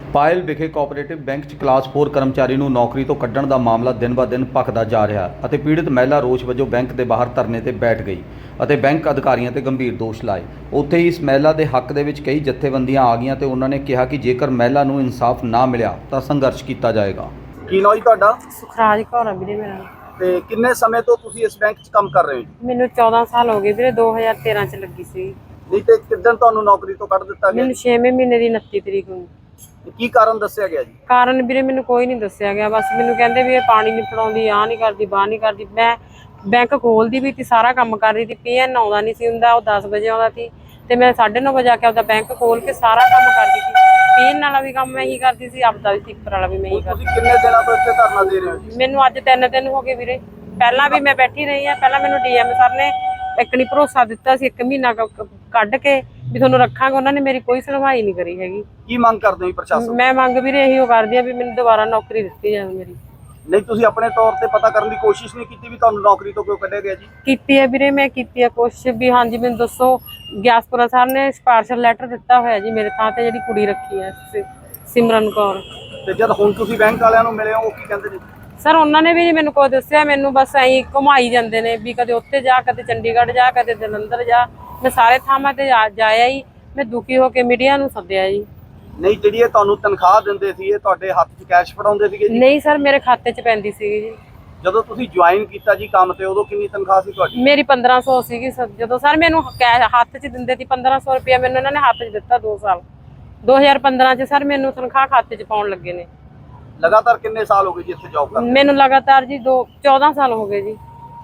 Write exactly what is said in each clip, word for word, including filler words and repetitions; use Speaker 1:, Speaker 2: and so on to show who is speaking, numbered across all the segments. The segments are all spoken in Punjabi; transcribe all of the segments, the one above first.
Speaker 1: ਪਾਇਲ ਵਿਖੇ ਕੋਆਪਰੇਟਿਵ ਬੈਂਕ 'ਚ ਕਲਾਸ ਚਾਰ ਕਰਮਚਾਰੀ ਨੂੰ ਨੌਕਰੀ ਤੋਂ ਕੱਢਣ ਦਾ ਮਾਮਲਾ ਦਿਨ-ਬ-ਦਿਨ ਭਖਦਾ ਜਾ ਰਿਹਾ ਅਤੇ ਪੀੜਤ ਮਹਿਲਾ ਰੋਸ ਵਜੋਂ ਬੈਂਕ ਦੇ ਬਾਹਰ ਧਰਨੇ ਤੇ ਬੈਠ ਗਈ ਅਤੇ ਬੈਂਕ ਅਧਿਕਾਰੀਆਂ ਤੇ ਗੰਭੀਰ ਦੋਸ਼ ਲਾਏ। ਉੱਥੇ ਹੀ ਇਸ ਮਹਿਲਾ ਦੇ ਹੱਕ ਦੇ ਵਿੱਚ ਕਈ ਜਥੇਬੰਦੀਆਂ ਆ ਗਈਆਂ ਤੇ ਉਹਨਾਂ ਨੇ ਕਿਹਾ ਕਿ ਜੇਕਰ ਮਹਿਲਾ ਨੂੰ ਇਨਸਾਫ ਨਾ ਮਿਲਿਆ ਤਾਂ ਸੰਘਰਸ਼ ਕੀਤਾ ਜਾਏਗਾ।
Speaker 2: ਕੀ ਨਾਂ ਜੀ ਤੁਹਾਡਾ?
Speaker 3: ਸੁਖਰਾਜ ਕੌਰ ਆ ਵੀਰੇ ਮੇਰਾ।
Speaker 2: ਤੇ ਕਿੰਨੇ ਸਮੇਂ ਤੋਂ ਤੁਸੀਂ ਇਸ ਬੈਂਕ 'ਚ ਕੰਮ ਕਰ ਰਹੇ ਹੋ?
Speaker 3: ਮੈਨੂੰ ਚੌਦਾਂ ਸਾਲ ਹੋ ਗਏ ਵੀਰੇ, ਦੋ ਹਜ਼ਾਰ ਤੇਰਾਂ ਚ ਲੱਗੀ ਸੀ।
Speaker 2: ਨਹੀਂ ਤੇ ਕਿੱਦਣ ਤੁਹਾਨੂੰ ਨੌਕਰੀ ਤੋਂ ਕੱਢ ਦਿੱਤਾ ਗਿਆ?
Speaker 3: ਮੈਨੂੰ ਛੇਵੇਂ ਮਹੀਨੇ ਦੀ ਉਨੱਤੀ ਤਰੀਕ ਨੂੰ।
Speaker 2: ਕੀ ਕਾਰਨ ਦੱਸਿਆ ਗਿਆ ਜੀ?
Speaker 3: ਕਾਰਨ ਵੀਰੇ ਮੈਨੂੰ ਕੋਈ ਨਹੀਂ ਦੱਸਿਆ ਗਿਆ, ਬਸ ਮੈਨੂੰ ਕਹਿੰਦੇ ਵੀ ਇਹ ਪਾਣੀ ਨਹੀਂ ਫੜਾਉਂਦੀ, ਆਹ ਨਹੀਂ ਕਰਦੀ, ਬਾਹ ਨਹੀਂ ਕਰਦੀ। ਮੈਂ ਬੈਂਕ ਖੋਲਦੀ ਵੀ ਸੀ, ਸਾਰਾ ਕੰਮ ਕਰਦੀ ਸੀ। ਪੀ ਐਨ ਆਉਂਦਾ ਨਹੀਂ ਸੀ ਹੁੰਦਾ, ਉਹ ਦਸ ਵਜੇ ਆਉਂਦਾ ਸੀ ਤੇ ਮੈਂ ਸਾਢੇ ਨੌ ਵਜੇ ਆ ਕੇ ਆਪਦਾ ਬੈਂਕ ਖੋਲ ਕੇ ਸਾਰਾ ਕੰਮ ਕਰਦੀ ਸੀ। ਪੀ ਐਨ ਵਾਲਾ ਵੀ ਕੰਮ ਮੈਂ ਹੀ ਕਰਦੀ ਸੀ, ਆਪਦਾ ਵੀ ਸਿੱਪਰ ਵਾਲਾ ਵੀ ਮੈਂ ਹੀ ਕਰਦੀ।
Speaker 2: ਤੁਸੀਂ ਕਿੰਨੇ ਦਿਨਾਂ ਤੋਂ ਇੱਥੇ ਧਰਨਾ ਦੇ ਰਹੇ ਹੋ ਜੀ?
Speaker 3: ਮੈਨੂੰ ਅੱਜ ਤਿੰਨ ਦਿਨ ਹੋ ਗਏ ਵੀਰੇ। ਪਹਿਲਾਂ ਵੀ ਮੈਂ ਬੈਠੀ ਰਹੀ ਆ, ਪਹਿਲਾਂ ਮੈਨੂੰ ਡੀ ਐਮ ਸਰ ਨੇ ਇੱਕ ਨਹੀਂ ਭਰੋਸਾ ਦਿੱਤਾ ਸੀ, ਇੱਕ ਮਹੀਨਾ ਕੱਢ ਕੇ ਵੀ ਤੁਹਾਨੂੰ ਰੱਖਾਂਗੇ। ਉਹਨਾਂ ਨੇ ਮੇਰੀ ਕੋਈ ਸੁਣਵਾਈ ਨਹੀਂ ਕਰੀ ਹੈਗੀ।
Speaker 2: ਕੀ ਮੰਗ ਕਰਦੇ ਹੋ ਪ੍ਰਸ਼ਾਸਨ?
Speaker 3: ਮੈਂ ਮੰਗ ਵੀਰੇ ਇਹੀ ਕਰਦੀ ਆ ਵੀ ਮੈਨੂੰ ਦੁਬਾਰਾ ਨੌਕਰੀ ਦਿੱਤੀ ਜਾਵੇ ਮੇਰੀ।
Speaker 2: ਨਹੀਂ ਤੁਸੀਂ ਆਪਣੇ ਤੌਰ ਤੇ ਪਤਾ ਕਰਨ ਦੀ ਕੋਸ਼ਿਸ਼ ਨਹੀਂ ਕੀਤੀ ਵੀ ਤੁਹਾਨੂੰ ਨੌਕਰੀ ਤੋਂ ਕਿਉਂ ਕੱਢਿਆ ਗਿਆ ਜੀ?
Speaker 3: ਕੀਤੀ ਹੈ ਵੀਰੇ, ਮੈਂ ਕੀਤੀ ਹੈ ਕੋਸ਼ਿਸ਼ ਵੀ। ਹਾਂਜੀ ਮੈਨੂੰ ਦੱਸੋ, ਗਿਆਸਪੁਰਾ ਸਾਹਿਬ ਨੇ ਸਪਾਰਸ਼ਲ ਲੈਟਰ ਦਿੱਤਾ ਹੋਇਆ ਜੀ ਮੇਰੇ ਥਾਂ ਤੇ ਜਿਹੜੀ ਕੁੜੀ ਰੱਖੀ ਹੈ ਸਿਮਰਨ ਕੌਰ।
Speaker 2: ਤੇ ਜਦ ਹੁਣ ਤੁਸੀਂ ਬੈਂਕ ਵਾਲਿਆਂ ਨੂੰ ਮਿਲੇ ਹੋ, ਉਹ ਕੀ ਕਹਿੰਦੇ ਨੇ?
Speaker 3: ਸਰ ਉਹਨਾਂ ਨੇ ਵੀ ਮੈਨੂੰ ਕੋਈ ਦੱਸਿਆ, ਮੈਨੂੰ ਬਸ ਐਂ ਘੁਮਾਈ ਜਾਂਦੇ ਨੇ ਵੀ ਕਦੇ ਉੱਥੇ ਜਾ, ਕਦੇ ਚੰਡੀਗੜ੍ਹ ਜਾ, ਕਦੇ ਜਲੰਧਰ ਜਾ। ਮੈਂ ਸਾਰੇ ਥਾਵਾਂ ਤੇ ਜਾਇਆ ਹੀ। ਮੈਂ ਦੁਖੀ ਹੋ ਕੇ ਮੀਡੀਆ ਨੂੰ ਸੱਦਿਆ ਜੀ।
Speaker 2: ਨਹੀਂ ਜਿਹੜੀ ਇਹ ਤੁਹਾਨੂੰ ਤਨਖਾਹ ਦਿੰਦੇ ਸੀ, ਇਹ ਤੁਹਾਡੇ ਹੱਥ 'ਚ ਕੈਸ਼ ਫੜਾਉਂਦੇ ਸੀਗੇ ਜੀ?
Speaker 3: ਨਹੀਂ ਸਰ, ਮੇਰੇ ਖਾਤੇ 'ਚ ਪੈਂਦੀ ਸੀਗੀ ਜੀ।
Speaker 2: ਜਦੋਂ ਤੁਸੀਂ ਜੁਆਇਨ ਕੀਤਾ ਜੀ ਕੰਮ ਤੇ, ਉਦੋਂ ਕਿੰਨੀ ਤਨਖਾਹ ਸੀ ਤੁਹਾਡੀ?
Speaker 3: ਮੇਰੀ ਪੰਦਰਾਂ ਸੌ ਸੀਗੀ ਸਰ। ਜਦੋਂ ਸਰ ਮੈਨੂੰ ਹੱਥ 'ਚ ਦਿੰਦੇ ਸੀ ਪੰਦਰਾਂ ਸੌ ਰੁਪਇਆ, ਮੈਨੂੰ ਇਹਨਾਂ ਨੇ ਹੱਥ 'ਚ ਦਿੱਤਾ ਦੋ ਸਾਲ। ਦੋ ਹਜ਼ਾਰ ਪੰਦਰਾਂ 'ਚ ਸਰ ਮੈਨੂੰ ਤਨਖਾਹ ਖਾਤੇ 'ਚ ਪਾਉਣ ਲੱਗੇ ਨੇ।
Speaker 2: ਲਗਾਤਾਰ ਕਿੰਨੇ ਸਾਲ ਹੋ ਗਏ ਜੀ ਇੱਥੇ ਜੌਬ ਕਰਦੇ?
Speaker 3: ਮੈਨੂੰ ਲਗਾਤਾਰ ਜੀ ਦੋ ਚੌਦਾਂ ਸਾਲ ਹੋ ਗਏ ਜੀ।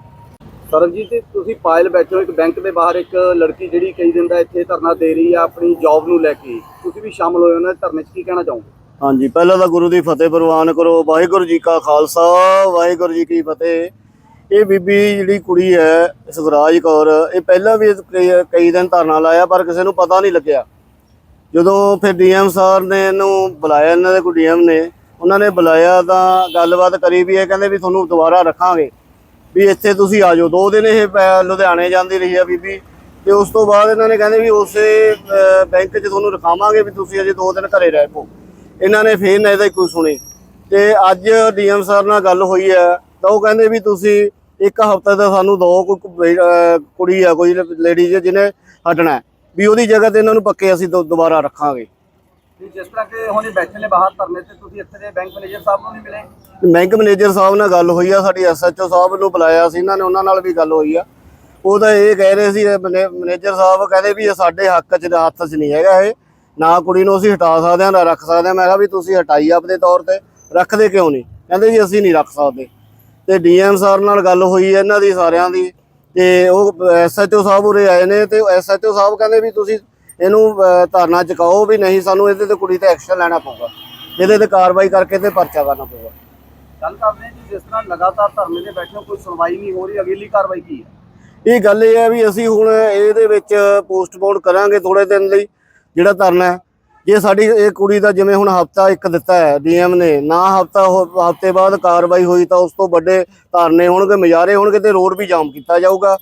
Speaker 2: ਸਰਨਜੀਤ ਜੀ, ਤੁਸੀਂ ਪਾਇਲ ਬੈਠੇ ਹੋ ਇੱਕ ਬੈਂਕ ਦੇ ਬਾਹਰ, ਇੱਕ ਲੜਕੀ ਜਿਹੜੀ ਕਈ ਦਿਨ ਦਾ ਇੱਥੇ ਧਰਨਾ ਦੇ ਰਹੀ ਆ ਆਪਣੀ ਜੌਬ ਨੂੰ ਲੈ ਕੇ, ਤੁਸੀਂ ਵੀ ਸ਼ਾਮਲ ਹੋਏ ਉਹਨਾਂ ਦੇ ਧਰਨੇ 'ਚ, ਕੀ ਕਹਿਣਾ ਚਾਹੋਗੇ?
Speaker 4: ਹਾਂਜੀ, ਪਹਿਲਾਂ ਤਾਂ ਗੁਰੂ ਦੀ ਫਤਿਹ ਪ੍ਰਵਾਨ ਕਰੋ। ਵਾਹਿਗੁਰੂ ਜੀ ਕਾ ਖਾਲਸਾ, ਵਾਹਿਗੁਰੂ ਜੀ ਕੀ ਫਤਿਹ। ਇਹ ਬੀਬੀ ਜਿਹੜੀ ਕੁੜੀ ਹੈ ਸੁਖਰਾਜ ਕੌਰ, ਇਹ ਪਹਿਲਾਂ ਵੀ ਕਈ ਦਿਨ ਧਰਨਾ ਲਾਇਆ ਪਰ ਕਿਸੇ ਨੂੰ ਪਤਾ ਨਹੀਂ ਲੱਗਿਆ। ਜਦੋਂ ਫਿਰ ਡੀ ਐਮ ਸਾਹਿਬ ਨੇ ਇਹਨੂੰ ਬੁਲਾਇਆ, ਇਹਨਾਂ ਦੇ ਕੋਈ ਡੀ ਐਮ ਨੇ, ਉਹਨਾਂ ਨੇ ਬੁਲਾਇਆ ਤਾਂ ਗੱਲਬਾਤ ਕਰੀ ਵੀ ਇਹ ਕਹਿੰਦੇ ਵੀ ਤੁਹਾਨੂੰ ਦੁਬਾਰਾ ਰੱਖਾਂਗੇ, ਵੀ ਇੱਥੇ ਤੁਸੀਂ ਆ ਜਾਓ। ਦੋ ਦਿਨ ਇਹ ਲੁਧਿਆਣੇ ਜਾਂਦੀ ਰਹੀ ਆ ਬੀਬੀ, ਤੇ ਉਸ ਤੋਂ ਬਾਅਦ ਇਹਨਾਂ ਨੇ ਕਹਿੰਦੇ ਵੀ ਉਸੇ ਬੈਂਕ 'ਚ ਤੁਹਾਨੂੰ ਰਖਾਵਾਂਗੇ, ਵੀ ਤੁਸੀਂ ਅਜੇ ਦੋ ਦਿਨ ਘਰੇ ਰਹਿ ਪਓ। ਇਹਨਾਂ ਨੇ ਫਿਰ ਨਾ ਇਹਦਾ ਕੋਈ ਸੁਣੀ। ਤੇ ਅੱਜ ਡੀ ਐਮ ਸਰ ਨਾਲ ਗੱਲ ਹੋਈ ਹੈ ਤਾਂ ਉਹ ਕਹਿੰਦੇ ਵੀ ਤੁਸੀਂ ਇੱਕ ਹਫ਼ਤੇ ਦਾ ਸਾਨੂੰ ਦੋ, ਕੋਈ ਕੁੜੀ ਆ ਕੋਈ ਲੇਡੀਜ਼ ਜਿਹਨੇ ਹਟਣਾ, ਵੀ ਉਹਦੀ ਜਗ੍ਹਾ ਤੇ ਇਹਨਾਂ ਨੂੰ ਪੱਕੇ ਅਸੀਂ ਦੁਬਾਰਾ ਰੱਖਾਂਗੇ।
Speaker 2: ਜਿਸ ਤਰ੍ਹਾਂ ਕਿ ਹੁਣ ਬੈਠੇ ਨੇ ਬਾਹਰ ਧਰਨੇ ਤੇ, ਤੁਸੀਂ ਇੱਥੇ ਦੇ ਬੈਂਕ ਮੈਨੇਜਰ ਸਾਹਿਬ ਨੂੰ ਨਹੀਂ ਮਿਲੇ?
Speaker 4: ਬੈਂਕ ਮੈਨੇਜਰ ਸਾਹਿਬ ਨਾਲ ਗੱਲ ਹੋਈ ਆ, ਸਾਡੀ ਐਸ ਐਚ ਓ ਸਾਹਿਬ ਨੂੰ ਬੁਲਾਇਆ ਸੀ ਇਹਨਾਂ ਨੇ, ਉਹਨਾਂ ਨਾਲ ਵੀ ਗੱਲ ਹੋਈ ਆ। ਉਹ ਤਾਂ ਇਹ ਕਹਿ ਰਹੇ ਸੀ, ਮੈਨੇਜਰ ਸਾਹਿਬ ਕਹਿੰਦੇ ਵੀ ਇਹ ਸਾਡੇ ਹੱਕ 'ਚ ਹੱਥ 'ਚ ਨਹੀਂ ਹੈਗਾ, ਇਹ ਨਾ ਕੁੜੀ ਨੂੰ ਅਸੀਂ ਹਟਾ ਸਕਦੇ ਹਾਂ ਨਾ ਰੱਖ ਸਕਦੇ ਹਾਂ। ਮੈਂ ਕਿਹਾ ਵੀ ਤੁਸੀਂ ਹਟਾਈ ਆਪਣੇ ਤੌਰ ਤੇ, ਰੱਖਦੇ ਕਿਉਂ ਨਹੀਂ? ਕਹਿੰਦੇ ਜੀ ਅਸੀਂ ਨਹੀਂ ਰੱਖ ਸਕਦੇ। ਤੇ ਡੀ ਐਮ ਸਰ ਨਾਲ ਗੱਲ ਹੋਈ ਹੈ ਇਹਨਾਂ ਦੀ ਸਾਰਿਆਂ ਦੀ, ਤੇ ਉਹ ਐਸ ਐਚ ਓ ਸਾਹਿਬ ਉਰੇ ਆਏ ਨੇ, ਤੇ ਐਸ ਐਚ ਓ ਸਾਹਿਬ ਕਹਿੰਦੇ ਵੀ ਤੁਸੀਂ ਇਹਨੂੰ ਧਰਨਾ ਚੁਕਾਓ, ਵੀ ਨਹੀਂ ਸਾਨੂੰ ਇਹਦੇ ਤੇ ਕੁੜੀ ਤੇ ਐਕਸ਼ਨ ਲੈਣਾ ਪਊਗਾ, ਇਹਦੇ ਤੇ ਕਾਰਵਾਈ ਕਰਕੇ ਤੇ ਪਰਚਾ ਕਰਨਾ ਪਊਗਾ।
Speaker 2: ਗੱਲ ਕਰਦੇ ਹਾਂ ਜੀ, ਜਿਸ ਤਰ੍ਹਾਂ ਲਗਾਤਾਰ ਧਰਨੇ ਤੇ ਬੈਠੇ ਹੋ, ਕੋਈ ਸੁਣਵਾਈ ਨਹੀਂ ਹੋ ਰਹੀ, ਅਗਲੀ ਕਾਰਵਾਈ ਕੀ ਹੈ?
Speaker 4: ਇਹ ਗੱਲ ਇਹ ਹੈ ਵੀ ਅਸੀਂ ਹੁਣ ਇਹਦੇ ਵਿੱਚ ਪੋਸਟਪੋਨ ਕਰਾਂਗੇ ਥੋੜੇ ਦਿਨ ਲਈ ਜਿਹੜਾ ਧਰਨਾ ਹੈ। ਜੇ ਸਾਡੀ ਇਹ ਕੁੜੀ ਦਾ ਜਿਵੇਂ ਹੁਣ ਹਫ਼ਤਾ ਇੱਕ ਦਿੱਤਾ ਹੈ ਡੀ ਐਮ ਨੇ, ਨਾ ਹਫ਼ਤਾ ਹਫ਼ਤੇ ਬਾਅਦ ਕਾਰਵਾਈ ਹੋਈ ਤਾਂ ਉਸ ਤੋਂ ਵੱਡੇ ਧਰਨੇ ਹੋਣਗੇ, ਮੁਜ਼ਾਹਰੇ ਹੋਣਗੇ, ਤੇ ਰੋਡ ਵੀ ਜਾਮ ਕੀਤਾ ਜਾਊਗਾ।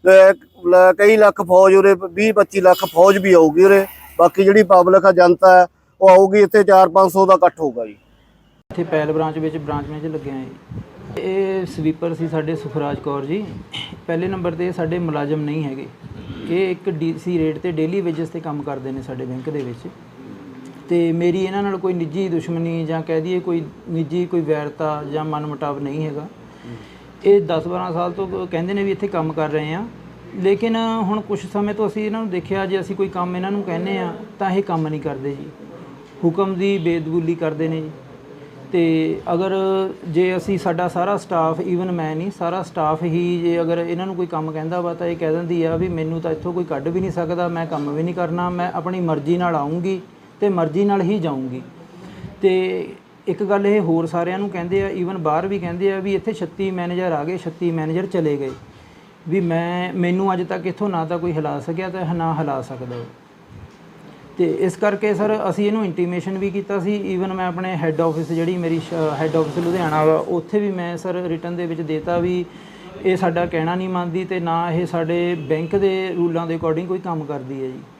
Speaker 4: ਕਈ ਲੱਖ ਫੌਜ ਉਰੇ, ਵੀਹ ਪੱਚੀ ਲੱਖ ਫੌਜ ਵੀ ਆਊਗੀ ਉਰੇ। ਬਾਕੀ ਜਿਹੜੀ ਪਬਲਿਕ ਆ, ਜਨਤਾ ਹੈ, ਉਹ ਆਊਗੀ। ਇੱਥੇ ਚਾਰ ਪੰਜ ਸੌ ਦਾ ਇਕੱਠ ਹੋਊਗਾ ਜੀ।
Speaker 5: ਇੱਥੇ ਪੈਲ ਬ੍ਰਾਂਚ ਵਿੱਚ ਬ੍ਰਾਂਚ ਮੈਨੇਜਰ ਲੱਗਿਆ ਜੀ। ਇਹ ਸਵੀਪਰ ਸੀ ਸਾਡੇ ਸੁਖਰਾਜ ਕੌਰ ਜੀ। ਪਹਿਲੇ ਨੰਬਰ 'ਤੇ ਸਾਡੇ ਮੁਲਾਜ਼ਮ ਨਹੀਂ ਹੈਗੇ, ਇਹ ਇੱਕ ਡੀ ਸੀ ਰੇਟ 'ਤੇ ਡੇਲੀ ਵੇਜਸ 'ਤੇ ਕੰਮ ਕਰਦੇ ਨੇ ਸਾਡੇ ਬੈਂਕ ਦੇ ਵਿੱਚ। ਅਤੇ ਮੇਰੀ ਇਹਨਾਂ ਨਾਲ ਕੋਈ ਨਿੱਜੀ ਦੁਸ਼ਮਣੀ ਜਾਂ ਕਹਿ ਦਈਏ ਕੋਈ ਨਿੱਜੀ ਕੋਈ ਵੈਰਤਾ ਜਾਂ ਮਨਮੁਟਾਵ ਨਹੀਂ ਹੈਗਾ। ਇਹ ਦਸ ਬਾਰਾਂ ਸਾਲ ਤੋਂ ਕਹਿੰਦੇ ਨੇ ਵੀ ਇੱਥੇ ਕੰਮ ਕਰ ਰਹੇ ਹਾਂ, ਲੇਕਿਨ ਹੁਣ ਕੁਛ ਸਮੇਂ ਤੋਂ ਅਸੀਂ ਇਹਨਾਂ ਨੂੰ ਦੇਖਿਆ, ਜੇ ਅਸੀਂ ਕੋਈ ਕੰਮ ਇਹਨਾਂ ਨੂੰ ਕਹਿੰਦੇ ਹਾਂ ਤਾਂ ਇਹ ਕੰਮ ਨਹੀਂ ਕਰਦੇ ਜੀ, ਹੁਕਮ ਦੀ ਬੇਦਬੂਲੀ ਕਰਦੇ ਨੇ ਜੀ। ਅਤੇ ਅਗਰ ਜੇ ਅਸੀਂ ਸਾਡਾ ਸਾਰਾ ਸਟਾਫ, ਈਵਨ ਮੈਂ ਨਹੀਂ, ਸਾਰਾ ਸਟਾਫ ਹੀ ਜੇ ਅਗਰ ਇਹਨਾਂ ਨੂੰ ਕੋਈ ਕੰਮ ਕਹਿੰਦਾ ਵਾ ਤਾਂ ਇਹ ਕਹਿ ਦਿੰਦੀ ਆ ਵੀ ਮੈਨੂੰ ਤਾਂ ਇੱਥੋਂ ਕੋਈ ਕੱਢ ਵੀ ਨਹੀਂ ਸਕਦਾ, ਮੈਂ ਕੰਮ ਵੀ ਨਹੀਂ ਕਰਨਾ, ਮੈਂ ਆਪਣੀ ਮਰਜ਼ੀ ਨਾਲ ਆਊਂਗੀ ਅਤੇ ਮਰਜ਼ੀ ਨਾਲ ਹੀ ਜਾਊਂਗੀ। ਅਤੇ ਇੱਕ ਗੱਲ ਇਹ ਹੋਰ ਸਾਰਿਆਂ ਨੂੰ ਕਹਿੰਦੇ ਆ, ਈਵਨ ਬਾਹਰ ਵੀ ਕਹਿੰਦੇ ਆ ਵੀ ਇੱਥੇ ਛੱਤੀ ਮੈਨੇਜਰ ਆ ਗਏ, ਛੱਤੀ ਮੈਨੇਜਰ ਚਲੇ ਗਏ, ਵੀ ਮੈਂ ਮੈਨੂੰ ਅੱਜ ਤੱਕ ਇੱਥੋਂ ਨਾ ਤਾਂ ਕੋਈ ਹਿਲਾ ਸਕਿਆ ਤੇ ਨਾ ਹਿਲਾ ਸਕਦਾ। ਅਤੇ ਇਸ ਕਰਕੇ ਸਰ ਅਸੀਂ ਇਹਨੂੰ ਇੰਟੀਮੇਸ਼ਨ ਵੀ ਕੀਤਾ ਸੀ। ਈਵਨ ਮੈਂ ਆਪਣੇ ਹੈੱਡ ਆਫਿਸ, ਜਿਹੜੀ ਮੇਰੀ ਹੈੱਡ ਆਫਿਸ ਲੁਧਿਆਣਾ ਵਾ, ਉੱਥੇ ਵੀ ਮੈਂ ਸਰ ਰਿਟਨ ਦੇ ਵਿੱਚ ਦੇਤਾ ਵੀ ਇਹ ਸਾਡਾ ਕਹਿਣਾ ਨਹੀਂ ਮੰਨਦੀ ਅਤੇ ਨਾ ਇਹ ਸਾਡੇ ਬੈਂਕ ਦੇ ਰੂਲਾਂ ਦੇ ਅਕੋਰਡਿੰਗ ਕੋਈ ਕੰਮ ਕਰਦੀ ਹੈ ਜੀ।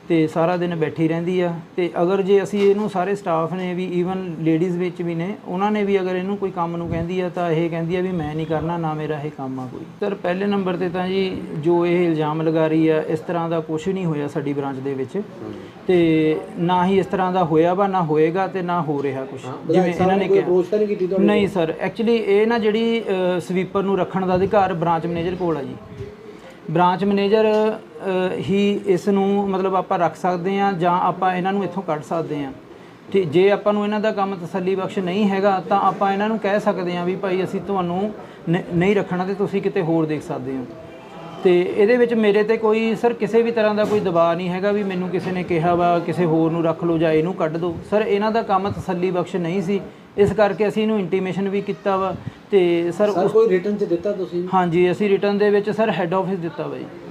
Speaker 5: ਤੇ ਸਾਰਾ ਦਿਨ ਬੈਠੀ ਰਹਿੰਦੀ ਆ। ਤੇ ਅਗਰ ਜੇ ਅਸੀਂ ਇਹਨੂੰ ਸਾਰੇ ਸਟਾਫ ਨੇ ਵੀ ਈਵਨ ਲੇਡੀਜ਼ ਵਿੱਚ ਵੀ ਨੇ, ਉਹਨਾਂ ਨੇ ਵੀ ਅਗਰ ਇਹਨੂੰ ਕੋਈ ਕੰਮ ਨੂੰ ਕਹਿੰਦੀ ਆ ਤਾਂ ਇਹ ਕਹਿੰਦੀ ਆ ਵੀ ਮੈਂ ਨਹੀਂ ਕਰਨਾ, ਨਾ ਮੇਰਾ ਇਹ ਕੰਮ ਆ ਕੋਈ। ਸਰ ਪਹਿਲੇ ਨੰਬਰ ਤੇ ਤਾਂ ਜੀ ਜੋ ਇਹ ਇਲਜ਼ਾਮ ਲਗਾ ਰਹੀ ਆ, ਇਸ ਤਰ੍ਹਾਂ ਦਾ ਕੁਝ ਨਹੀਂ ਹੋਇਆ ਸਾਡੀ ਬ੍ਰਾਂਚ ਦੇ ਵਿੱਚ, ਤੇ ਨਾ ਹੀ ਇਸ ਤਰ੍ਹਾਂ ਦਾ ਹੋਇਆ ਵਾ, ਨਾ ਹੋਏਗਾ ਤੇ ਨਾ ਹੋ ਰਿਹਾ ਕੁਝ ਜਿਵੇਂ ਇਹਨਾਂ ਨੇ ਕਿਹਾ। ਨਹੀਂ ਸਰ, ਐਕਚੁਅਲੀ ਇਹ ਨਾ ਜਿਹੜੀ ਸਵੀਪਰ ਨੂੰ ਰੱਖਣ ਦਾ ਅਧਿਕਾਰ ਬ੍ਰਾਂਚ ਮੈਨੇਜਰ ਕੋਲ ਆ ਜੀ। ਬ੍ਰਾਂਚ ਮੈਨੇਜਰ ਹੀ ਇਸ ਨੂੰ ਮਤਲਬ ਆਪਾਂ ਰੱਖ ਸਕਦੇ ਹਾਂ ਜਾਂ ਆਪਾਂ ਇਹਨਾਂ ਨੂੰ ਇੱਥੋਂ ਕੱਢ ਸਕਦੇ ਹਾਂ। ਠੀਕ, ਜੇ ਆਪਾਂ ਨੂੰ ਇਹਨਾਂ ਦਾ ਕੰਮ ਤਸੱਲੀ ਬਖਸ਼ ਨਹੀਂ ਹੈਗਾ ਤਾਂ ਆਪਾਂ ਇਹਨਾਂ ਨੂੰ ਕਹਿ ਸਕਦੇ ਹਾਂ ਵੀ ਭਾਈ ਅਸੀਂ ਤੁਹਾਨੂੰ ਨ- ਨਹੀਂ ਰੱਖਣਾ ਤੇ ਤੁਸੀਂ ਕਿਤੇ ਹੋਰ ਦੇਖ ਸਕਦੇ ਹੋ। ਤੇ ਇਹਦੇ ਵਿੱਚ ਮੇਰੇ ਤੇ ਕੋਈ ਸਰ ਕਿਸੇ ਵੀ ਤਰ੍ਹਾਂ ਦਾ ਕੋਈ ਦਬਾਅ ਨਹੀਂ ਹੈਗਾ ਵੀ ਮੈਨੂੰ ਕਿਸੇ ਨੇ ਕਿਹਾ ਵਾ ਕਿਸੇ ਹੋਰ ਨੂੰ ਰੱਖ ਲਓ ਜਾਂ ਇਹਨੂੰ ਕੱਢ ਦਿਓ। ਸਰ ਇਹਨਾਂ ਦਾ ਕੰਮ ਤਸੱਲੀ ਬਖਸ਼ ਨਹੀਂ ਸੀ, ਇਸ ਕਰਕੇ ਅਸੀਂ ਇਹਨੂੰ ਇੰਟੀਮੇਸ਼ਨ ਵੀ ਕੀਤਾ ਵਾ। ਤੇ ਸਰ
Speaker 6: ਸਰ ਕੋਈ ਰਿਟਰਨ 'ਚ ਦਿੱਤਾ ਤੁਸੀਂ?
Speaker 5: ਹਾਂਜੀ, ਅਸੀਂ ਰਿਟਰਨ ਦੇ ਵਿੱਚ ਸਰ ਹੈੱਡ ਆਫਿਸ ਦਿੱਤਾ ਵਾ ਜੀ।